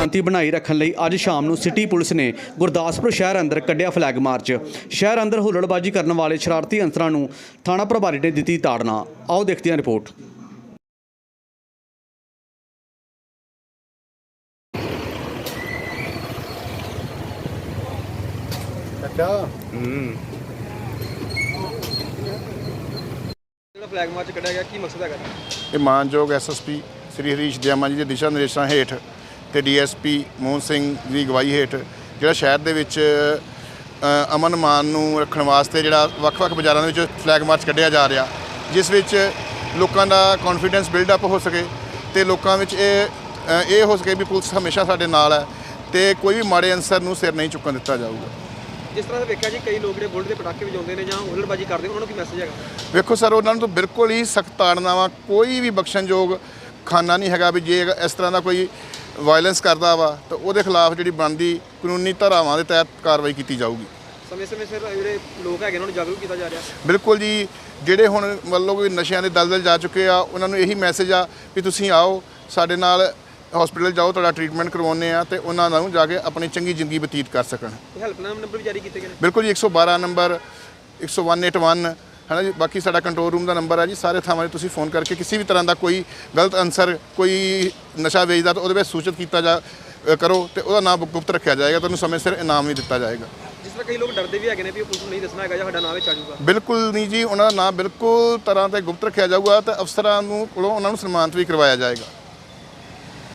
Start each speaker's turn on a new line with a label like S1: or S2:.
S1: ਸ਼ਾਂਤੀ ਬਣਾਈ ਰੱਖਣ ਲਈ ਅੱਜ ਸ਼ਾਮ ਨੂੰ ਸਿਟੀ ਪੁਲਿਸ ਨੇ ਗੁਰਦਾਸਪੁਰ ਸ਼ਹਿਰ ਅੰਦਰ ਕੱਢਿਆ ਫਲੈਗ ਮਾਰਚ। ਸ਼ਹਿਰ ਅੰਦਰ ਹੁੱਲੜਬਾਜ਼ੀ ਕਰਨ ਵਾਲੇ ਸ਼ਰਾਰਤੀ ਅਨਸਰਾਂ ਨੂੰ ਥਾਣਾ ਪ੍ਰਭਾਰੀ ਨੇ ਦਿੱਤੀ ਤਾੜਨਾ। ਆਓ ਦੇਖਦੇ ਹਾਂ ਰਿਪੋਰਟ।
S2: ਫਲੈਗ ਮਾਰਚ ਕੱਢਿਆ ਗਿਆ, ਕੀ ਮਕਸਦ ਹੈਗਾ?
S3: ਇਹ ਮਾਨਯੋਗ ਐਸਐਸਪੀ ਸ੍ਰੀ ਹਰੀਸ਼ ਦਿਆਮਾ ਜੀ ਦੇ ਦਿਸ਼ਾ ਨਿਰਦੇਸ਼ਾਂ ਹੇਠ ਤੇ ਡੀਐਸਪੀ ਮੋਹਨ ਸਿੰਘ ਦੀ ਅਗਵਾਈ ਹੇਠ ਜਿਹੜਾ ਸ਼ਹਿਰ ਦੇ ਵਿੱਚ ਅਮਨ ਮਾਨ ਨੂੰ ਰੱਖਣ ਵਾਸਤੇ ਜਿਹੜਾ ਵੱਖ-ਵੱਖ ਬਾਜ਼ਾਰਾਂ ਦੇ ਵਿੱਚ ਫਲੈਗ ਮਾਰਚ ਕੱਢਿਆ ਜਾ ਰਿਹਾ, ਜਿਸ ਵਿੱਚ ਲੋਕਾਂ ਦਾ ਕੌਨਫੀਡੈਂਸ ਬਿਲਡ ਅਪ ਹੋ ਸਕੇ ਤੇ ਲੋਕਾਂ ਵਿੱਚ ਇਹ ਹੋ ਸਕੇ ਵੀ ਪੁਲਿਸ ਹਮੇਸ਼ਾ ਸਾਡੇ ਨਾਲ ਹੈ ਤੇ ਕੋਈ ਵੀ ਮਾੜੇ ਅਨਸਰ ਨੂੰ ਸਿਰ ਨਹੀਂ ਚੁੱਕਣ ਦਿੱਤਾ ਜਾਊਗਾ।
S2: ਜਿਸ ਤਰ੍ਹਾਂ ਵੇਖਿਆ ਜੀ, ਕਈ ਲੋਕ ਜਿਹੜੇ ਬੁਲਟ ਦੇ ਪਟਾਕੇ ਵਜਾਉਂਦੇ ਨੇ ਜਾਂ ਹੁੱਲੜਬਾਜ਼ੀ ਕਰਦੇ, ਉਹਨਾਂ ਨੂੰ ਕੀ ਮੈਸੇਜ ਹੈਗਾ?
S3: ਵੇਖੋ ਸਰ, ਉਹਨਾਂ ਨੂੰ ਤਾਂ ਬਿਲਕੁਲ ਹੀ ਸਖਤ ਤਾੜਨਾ ਵਾ। ਕੋਈ ਵੀ ਬਖਸ਼ਣਯੋਗ ਖਾਨਾ ਨਹੀਂ ਹੈਗਾ ਵੀ ਜੇ ਇਸ ਤਰ੍ਹਾਂ ਦਾ ਕੋਈ ਵਾਇਲੈਂਸ ਕਰਦਾ ਵਾ ਤਾਂ ਉਹਦੇ ਖਿਲਾਫ ਜਿਹੜੀ ਬਣਦੀ ਕਾਨੂੰਨੀ ਧਾਰਾਵਾਂ ਦੇ ਤਹਿਤ ਕਾਰਵਾਈ ਕੀਤੀ ਜਾਊਗੀ।
S2: ਸਮੇਂ-ਸਮੇਂ ਸਿਰ ਜਿਹੜੇ ਲੋਕ ਹੈਗੇ ਉਹਨਾਂ ਨੂੰ ਜਾਗਰੂਕ ਕੀਤਾ ਜਾ ਰਿਹਾ।
S3: ਬਿਲਕੁਲ ਜੀ, ਜਿਹੜੇ ਹੁਣ ਮਤਲਬ ਕੋਈ ਨਸ਼ਿਆਂ ਦੇ ਦਲਦਲ ਜਾ ਚੁੱਕੇ ਆ, ਉਹਨਾਂ ਨੂੰ ਇਹੀ ਮੈਸੇਜ ਆ ਵੀ ਤੁਸੀਂ ਆਓ ਸਾਡੇ ਨਾਲ ਹਸਪੀਟਲ ਜਾਓ, ਤੁਹਾਡਾ ਟ੍ਰੀਟਮੈਂਟ ਕਰਵਾਉਂਦੇ ਆ ਤੇ ਉਹਨਾਂ ਨੂੰ ਜਾ ਕੇ ਆਪਣੀ ਚੰਗੀ ਜ਼ਿੰਦਗੀ ਬਤੀਤ ਕਰ ਸਕਣ।
S2: ਹੈਲਪਲਾਈਨ ਨੰਬਰ ਵੀ ਜਾਰੀ ਕੀਤੇ ਗਏ ਨੇ? ਬਿਲਕੁਲ
S3: ਜੀ, 112 ਨੰਬਰ 181 ਹੈ ਨਾ ਜੀ। ਬਾਕੀ ਸਾਡਾ ਕੰਟਰੋਲ ਰੂਮ ਦਾ ਨੰਬਰ ਹੈ ਜੀ। ਸਾਰੇ ਥਾਵਾਂ 'ਤੇ ਤੁਸੀਂ ਫੋਨ ਕਰਕੇ ਕਿਸੇ ਵੀ ਤਰ੍ਹਾਂ ਦਾ ਕੋਈ ਗਲਤ ਅਨਸਰ, ਕੋਈ ਨਸ਼ਾ ਵੇਚਦਾ ਤਾਂ ਉਹਦੇ ਵਿੱਚ ਸੂਚਿਤ ਕੀਤਾ ਕਰੋ ਤੇ ਉਹਦਾ ਨਾਮ ਗੁਪਤ ਰੱਖਿਆ ਜਾਏਗਾ, ਤੁਹਾਨੂੰ ਸਮੇਂ ਸਿਰ ਇਨਾਮ ਵੀ ਦਿੱਤਾ ਜਾਏਗਾ।
S2: ਜਿਸ ਤਰ੍ਹਾਂ ਕਈ ਲੋਕ ਡਰਦੇ ਵੀ ਹੈਗੇ ਨੇ ਵੀ ਉਹ ਪੁਲਿਸ ਨੂੰ ਨਹੀਂ ਦੱਸਣਾ ਹੈਗਾ ਜਾਂ ਸਾਡਾ ਨਾਮ ਵਿੱਚ ਆ ਜਾਊਗਾ।
S3: ਬਿਲਕੁਲ ਨਹੀਂ ਜੀ, ਉਹਨਾਂ ਦਾ ਨਾਮ ਬਿਲਕੁਲ ਤਰ੍ਹਾਂ ਤੇ ਗੁਪਤ ਰੱਖਿਆ ਜਾਊਗਾ ਤੇ ਅਫਸਰਾਂ ਨੂੰ ਕੋਲੋਂ ਉਹਨਾਂ ਨੂੰ ਸਨਮਾਨਿਤ ਵੀ ਕਰਵਾਇਆ ਜਾਏਗਾ।